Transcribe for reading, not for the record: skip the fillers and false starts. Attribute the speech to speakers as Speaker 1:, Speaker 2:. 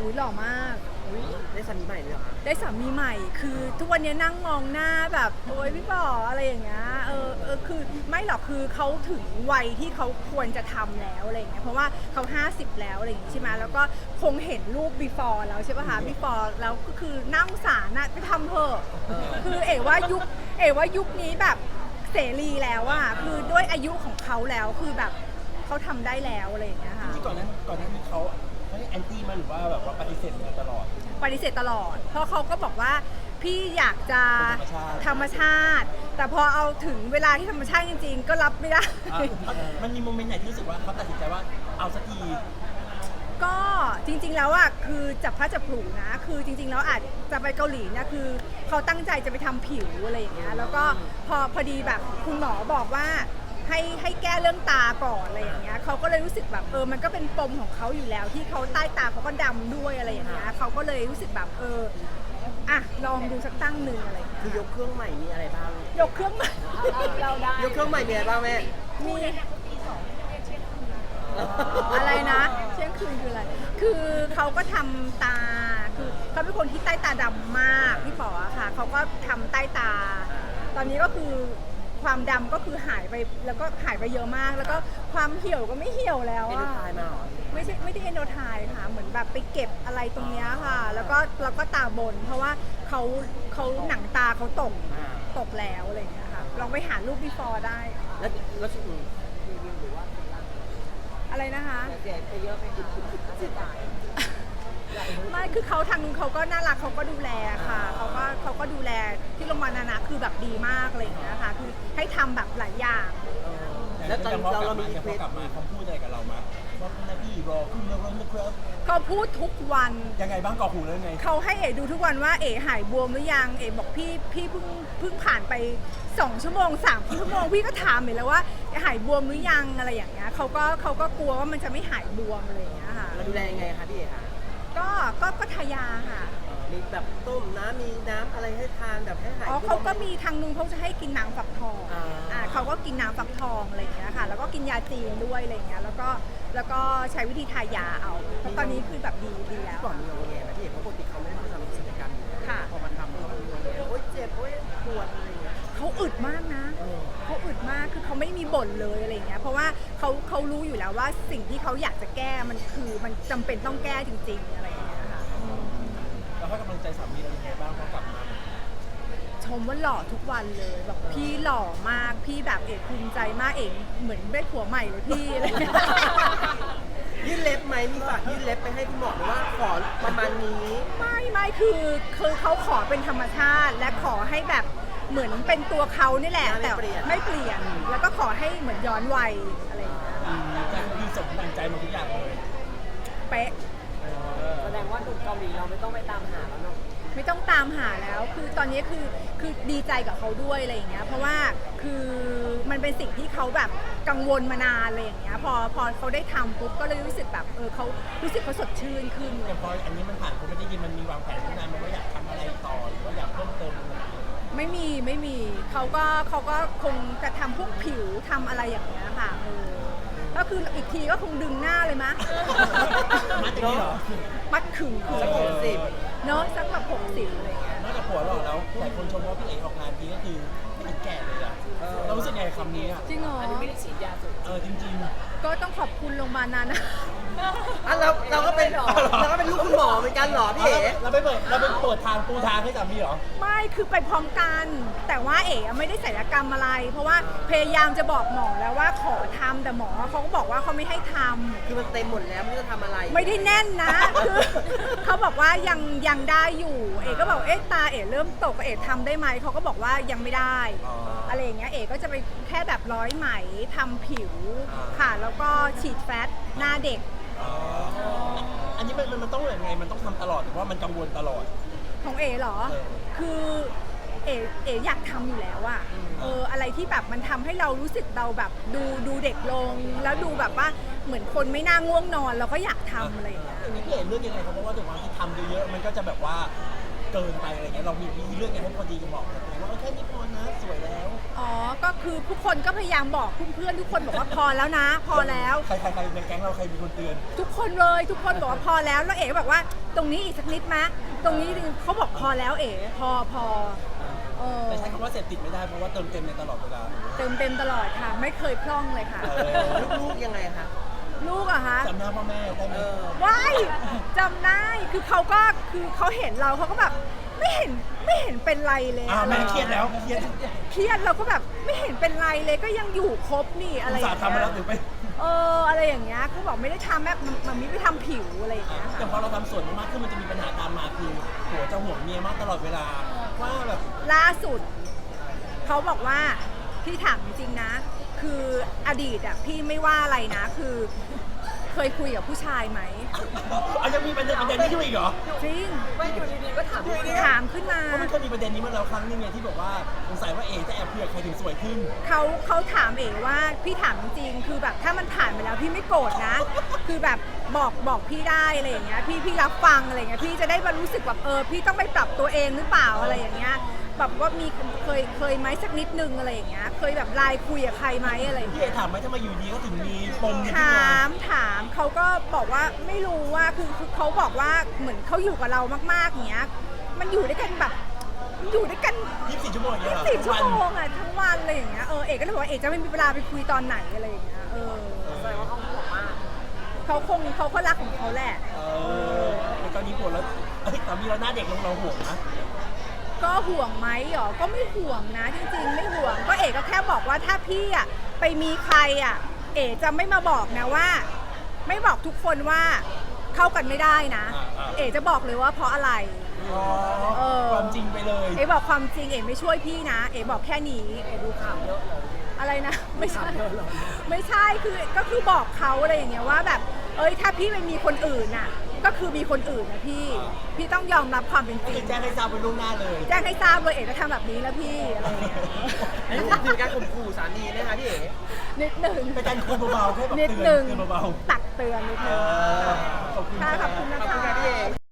Speaker 1: อุ้ยหล่อมาก
Speaker 2: ได้สามีใหม่เลยเหรอคะ
Speaker 1: ได้สามีใหม่คือทุกวันนี้นั่งมองหน้าแบบโอ๊ยพี่ป๋ออะไรอย่างเงี้ยคือไม่หรอกคือเขาถึงวัยที่เขาควรจะทำแล้วอะไรอย่างเงี้ยเพราะว่าเขา50แล้วอะไรอย่างงี้ใช่ไหมแล้วก็คงเห็นรูป before แล้วใช่ป่ะคะ before แล้วก็คือน่าสงสารนะไปทำเถอะคือเอ๋ว่ายุคนี้แบบเสรีแล้วอะคือด้วยอายุของเขาแล้วคือแบบเขาทำได้แล้วอะไรอย่างเงี้ยค่ะ
Speaker 3: ที่ก่อนหน้านี้เขาให้แอนตี้มาหรือว่าแบบว่าปฏิเสธมาตลอด
Speaker 1: ปฏิเสธตลอด เพราะเขาก็บอกว่าพี่อยากจะ
Speaker 3: ธรรมชาติ
Speaker 1: แต่พอเอาถึงเวลาที่ธรรมชาติจริงๆ ก็รับไม่ได้
Speaker 3: มันมีโมเมนต์ไหนที่รู้สึกว่าเขาตัดสินใจว่าเอาสักที
Speaker 1: ก็จริงๆแล้วอ่ะคือจับพลัดจับผลูนะคือจริงๆแล้วอาจจะไปเกาหลีเนี่ยคือเขาตั้งใจจะไปทำผิวอะไรอย่างเงี้ยแล้วก็พอดีแบบคุณหมอบอกว่าให้แก้เรื่องตาก่อนอะไรอย่างเงี้ยเขาก็เลยรู้สึกแบบมันก็เป็นปมของเขาอยู่แล้วที่เขาใต้ตาเขาก็ดำด้วยอะไรอย่างเงี้ยเขาก็เลยรู้สึกแบบอ่ะลองดูสักตั้งหนึ่งอะไรอย่างเงี้ย
Speaker 2: คือยกเครื่องใหม่มีอะไรบ้าง
Speaker 1: ยกเครื่องใหม่เราได้
Speaker 2: ยกเครื่องใหม่มีอะไรบ้างแม่
Speaker 1: มีอะไรนะเที่ยงคืนคืออะไรคือเขาก็ทำตาคือเขาเป็นคนที่ใต้ตาดำมากพี่ป๋ออะค่ะเขาก็ทำใต้ตา ตอนนี้ก็คือความดำก็คือหายไปแล้วก็หายไปเยอะมาก แล้วก็ความเหี่ยวก็ไม่เหี่ยวแล้ว
Speaker 2: เอ็นดู
Speaker 1: อะ
Speaker 2: ทายมาเหรอ
Speaker 1: ไม่ได้เอนโดไทค่ะเหมือนแบบไปเก็บอะไรตรงเนี้ยค่ะ แล้วก็ตาบน เพราะว่าเขาหนังตาเขาตกแล้วอะไรอย่างเงี้ยค่ะลองไปหารูป before ได้
Speaker 2: แล้วชุดรีวิวหรือว่า
Speaker 1: อะไรนะคะ
Speaker 2: เสียไปเยอะไหมคะสิบบาท
Speaker 1: ไม่คือเขาทางนู้นเขาก็น่ารักเขาก็ดูแลค่ะเขาก็ดูแลที่โรงพยาบาลนานะคือแบบดีมากอะไรอย่างเงี้ยค่ะคือให้ทำแบบหลายอย่าง
Speaker 2: แล้วตอนเรามี
Speaker 3: พอกลับมาเขาพูดอะไรกับเรามาว่าคุณนะพี่รอคุณนะวันนะครับ
Speaker 1: เขาพูดทุกวัน
Speaker 3: ยังไงบ้างก่อหูแล้วไง
Speaker 1: เขาให้เอ๋ดูทุกวันว่าเอ๋หายบวมหรือยังเอ๋บอกพี่เพิ่งผ่านไป2 ชั่วโมง3 ชั่วโมงพี่ก็ถามเอ๋แล้วว่าหายบวมหรือยังอะไรอย่างเงี้ยเขาก็กลัวว่ามันจะไม่หายบวมอะไรอย่างเงี้ยค่ะ
Speaker 2: เราดูแลยังไงคะพี่เอ๋คะ
Speaker 1: ก็ทายาค่ะ
Speaker 2: มีแบบต้มน้ำมีน้ำอะไรให้ทานแบบให้หาย
Speaker 1: เขาก็มีทางนึงเขาจะให้กินน้ำฝักทอง เขาก็กินน้ำฝักทองอะไรอย่างเงี้ยค่ะ แล้วก็กินยาจีนด้วยอะไรอย่างเงี้ย แล้วก็ใช้วิธีทายาเอาเพราะตอนนี้คือแบบดีแล้ว
Speaker 2: ก่อนมีงอแงนะพี่เอ๋เพราะปกติเขาไม่ได้ทำศัลยกรรมอยู่แล้ว
Speaker 1: ค่ะ
Speaker 2: พอมาทำเขามีงอแงโอ๊ยเจ็บโอ๊ยปวดอะไรอย่างเงี้ย
Speaker 1: เขาอึดมากนะ เขาอึดมาก คือเขาไม่มีบ่นเลยอะไรอย่างเงี้ย เพราะว่าเขารู้อยู่แล้วว่าสิ่งที่เขาอยากจะแก้มันคือมันจำเป็นต้องแก้จริงๆอะไรอย่างเงี้ยค่ะ
Speaker 3: แล้วให้กำลังใจสามีเรายังไงบ้างพอกลับมา
Speaker 1: ชมว่าหล่อทุกวันเลยแบบพี่หล่อมาก พี่แบบเอกภูมิใจมากเอกเหมือนได้ผัวใหม่เลยพี่อะไรอย่างเงี้ย
Speaker 2: ยื่นเล็บไหมมีฝากยื่นเล็บไปให้คุณหมอหรือว่าขอประมาณนี้
Speaker 1: ไม่คือเขาขอเป็นธรรมชาติและขอให้แบบเหมือนเป็นตัวเขานี่แหละ
Speaker 2: ไม่
Speaker 1: แต่
Speaker 2: เปลี่ยน
Speaker 1: ไม่เปลี่ยนแล้วก็ขอให้เหมือนย้อนวัยอะไรอย่างเงี้ย
Speaker 3: แต่คือสมดังใจหมดทุกอย่างเลย
Speaker 1: เป๊ะ
Speaker 2: แสดงว่าหนุ่มเกาหลีเราไม่ต้องไปตามหาแล้วเนาะ
Speaker 1: ไม่ต้องตามหาแล้วคือตอนนี้คือดีใจกับเขาด้วยอะไรอย่างเงี้ยเพราะว่าคือมันเป็นสิ่งที่เขาแบบกังวลมานานอะไรอย่างเงี้ยพอเขาได้ทำปุ๊บก็เลยรู้สึกแบบเขารู้สึกเขาสดชื่นขึ้น
Speaker 3: แต่พออันนี้มันผ่านผมไม่ได้ยินมันมีวางแผนที่นานมันว่าอยากทำอะไรต่อหรือว่าอยากเพิ่มเติมอะไร
Speaker 1: ไม่มีเขาก็คงจะทำพวกผิวทำอะไรอย่างเงี้ยค่ะก็คืออีกทีก็คงดึงหน้าเลยมะ
Speaker 3: มัดอย่างนี้เหรอ
Speaker 1: มัดขึง
Speaker 2: สัก60
Speaker 1: เนาะสักแบบ60อะไรเงี้ย
Speaker 3: นอกจากผัวหล่อแล้วหลายคนชมว่าพี่เอกออกงานดีก็คือไม่ถึงแก่เลยอะเรารู้สึกไงกับคำนี้อะ
Speaker 1: จริงเหรอ
Speaker 2: อันนี้ไม่ได้ฉีดยาสูบ
Speaker 3: จริง
Speaker 1: ก็ต้องขอบคุณโรงพยาบาลนั้นนะ
Speaker 2: เราก็เป็นลูกคุณหมอเหมือนกันเหรอ
Speaker 3: ๆ
Speaker 2: พี่เอ๋
Speaker 3: เราไปเปิดทางปูทางให้สามีเหรอ
Speaker 1: ไม่คือไปพร้อมกัน แต่ว่าเอ๋ไม่ได้ศัลยกรรมอะไร เพราะว่าพยายามจะบอกหมอแล้วว่าขอทำแต่หมอเขาก็บอกว่าเขาไม่ให้ทำ
Speaker 2: คือมันเต็มหมดแล้วไม่รู้จะทำอะไร
Speaker 1: ไม่ได้แน่นนะ คือเขาบอกว่ายังได้อยู่ เอ๋ก็บอกตาเอ๋เริ่มตกเอ๋ทำได้ไหมเขาก็บอกว่ายังไม่ได้ อะไรอย่างเงี้ยเอ๋ก็จะไปแค่แบบร้อยไหมทำผิวค่ะ แล้วก็ฉีดแฟตหน้าเด็ก
Speaker 3: อันนี้มันต้องยังไงมันต้องทำตลอดหรือว่ามันกังวลตลอด
Speaker 1: ของเอ๋เหรอ คือเอ๋อยากทำอยู่แล้วอะอะไรที่แบบมันทำให้เรารู้สึกเราแบบดูเด็กลง แล้วดูแบบว่าเหมือนคนไม่น่าง่วงนอนเราก็อยากทำอะไรอย่างเงี้ย
Speaker 3: อันนี้พี่เอกเลือกยังไงครับเพราะว่าถึงวันที่ทำเยอะๆมันก็จะแบบว่าเกินไปอะไรเงี้ยเรามีวิธีเลือกไงให้พอดีกับบอกตัวเองว่าแค่นี้พอนะสวยแล้ว
Speaker 1: อ๋อก็คือทุกคนก็พยายามบอกเพื่อนๆทุกคนบอกว่าพอแล้วนะ พอแล้ว
Speaker 3: ใครในแก๊งเราใครมีคนเตือน
Speaker 1: ทุกคนเลยทุกคนบอกว่าพอแล้วแล้วเอ๋ก็บอกว่าตรงนี้อีกสักนิดมะตรงนี้เขาบอกพอแล้วเอ๋พอเออ
Speaker 3: แต่ใช้คำว่าเสพติดไม่ได้เพราะว่าเติมเต็มในตลอดเวลา
Speaker 1: เต็มตลอดค่ะ ไม่เคยพร่องเลยค่ะ
Speaker 2: ลูกๆยังไงคะ
Speaker 1: ลูกอะคะ
Speaker 3: จำหน้าพ่อแม่ได้ไหม
Speaker 1: ว้ายจำได้คือเขาเห็นเราเขาก็แบบไม่เห็นเป็นไรเลย
Speaker 3: แม่เครียดแล้วเครียด
Speaker 1: เครียดเราก็แบบไม่เห็นเป็นไรเลยก็ยังอยู่ครบนี่อะไรอย่าง
Speaker 3: สาทำมา
Speaker 1: เงี้
Speaker 3: แล้ว
Speaker 1: ย
Speaker 3: หรือไป
Speaker 1: อะไรอย่างเงี้ยเขาบอกไม่ได้ทำแม่มันไม่ไปทำผิวอะไรอย่างเงี้ย
Speaker 3: แต่
Speaker 1: ค่ะ
Speaker 3: พอเราทำส่วนมากขึ้นมันจะมีปัญหาตามมาคือผัวจะห่วงเมียมากตลอดเวลาว่าแบบ
Speaker 1: ล่าสุดเขาบอกว่าพี่ถามจริงๆนะ คืออดีตอะพี่ไม่ว่าอะไรนะ คือเคยคุยกับผู้ชายไหม
Speaker 3: ยังมีประเด็นนี้ขึ้นมาอีกเหรอ
Speaker 1: จริง
Speaker 2: ไม่อยู่ดีๆก็ถามด้วยเนี่ย
Speaker 1: ถามขึ้นมา
Speaker 3: เพราะมันเคยมีประเด็นนี้มาแล้วครั้งนึงไงที่บอกว่าสงสัยว่าเอ๋จะแอบเผือกใครถึงสวยขึ้น
Speaker 1: เขาถามเอ๋ว่าพี่ถามจริงๆคือแบบถ้ามันผ่านไปแล้วพี่ไม่โกรธนะ คือแบบบอกพี่ได้อะไรอย่างเงี้ยพี่รับฟังอะไรอย่างเงี้ยพี่จะได้มารู้สึกแบบพี่ต้องไปปรับตัวเองหรือเปล่าอะไรอย่างเงี้ยแบบว่ามีเคยไหมสักนิดนึงอะไรอย่างเงี้ยเคยแบบไลน์คุยกับใครไหมอะไรอย่าง
Speaker 3: พี่
Speaker 1: เงี้ย
Speaker 3: เอ๋ถามไหมทำไมอยู่ดีก็ถึงมีปมนี้ขึ้นมา
Speaker 1: ถามเขาก็บอกว่าไม่รู้ว่าคือเขาบอกว่าเหมือนเขาอยู่กับเรามากๆอย่างเงี้ยมันอยู่ด้วยกันแบบอยู่ด้วยกัน
Speaker 3: 24 ชั่วโมงอย่างเงี้ยเหรอ
Speaker 1: 10 ชั่วโมงอะทั้งวันอะไรอย่างเงี้ยเอกก็เลยบอกว่าเอกจะไม่มีเวลาไปคุยตอนไหนอะไรอย่างเงี้ย
Speaker 2: แสดงว่าเขาห่วงมาก
Speaker 1: เขาก็รักของเขาแหละ
Speaker 3: ในตอนนี้ผัวแล้วสามีเราหน้าเด็กลงเราห่วงนะ
Speaker 1: ก็ห่วงไหมหรอก็ไม่ห่วงนะจริงๆไม่ห่วงก็เอกก็แค่บอกว่าถ้าพี่อะไปมีใครอะเอกจะไม่มาบอกนะว่า ไม่บอกทุกคนว่าเข้ากันไม่ได้นะ เอกจะบอกเลยว่าเพราะอะไร
Speaker 3: ความจริงไปเลย
Speaker 1: เอกบอกความจริงเอกไม่ช่วยพี่นะ เอกบอกแค่นี้
Speaker 2: ดูข่าวเยอะเลย
Speaker 1: อะไรนะไม่ใช่
Speaker 2: ข่าวเยอะเลย
Speaker 1: ไม่ใช่คือบอกเขาอะไรอย่างเงี้ยว่าแบบถ้าพี่ไปมีคนอื่นน่ะก็คือมีคนอื่นนะพี่ต้องยอมรับความเป็นจริ
Speaker 3: คื
Speaker 1: ง
Speaker 3: อแจ้งให้ทราบไปล่วงหน้าเลย
Speaker 1: แจ้งให้ทราบเลยเอกจะทำแบบนี้แล้วพี่อะไรอย่างเงี้ย
Speaker 2: อันนี้ถือการข่มขู่สามีนะคะพี่เอ๋
Speaker 1: นิดหนึ่ง
Speaker 3: เป็นการคุมเบาๆแค่แบบ
Speaker 1: นิด
Speaker 3: เตื
Speaker 1: ห
Speaker 3: อ
Speaker 1: นึ่ง
Speaker 3: นเบา
Speaker 1: ตักเตือนนิดหนึ่ง
Speaker 3: ๆขอบคุณ
Speaker 1: ค่ะขอบคุณ
Speaker 2: ข
Speaker 1: นะ
Speaker 2: อบคุณ
Speaker 1: คะ
Speaker 2: ค่ะพี่เอ๋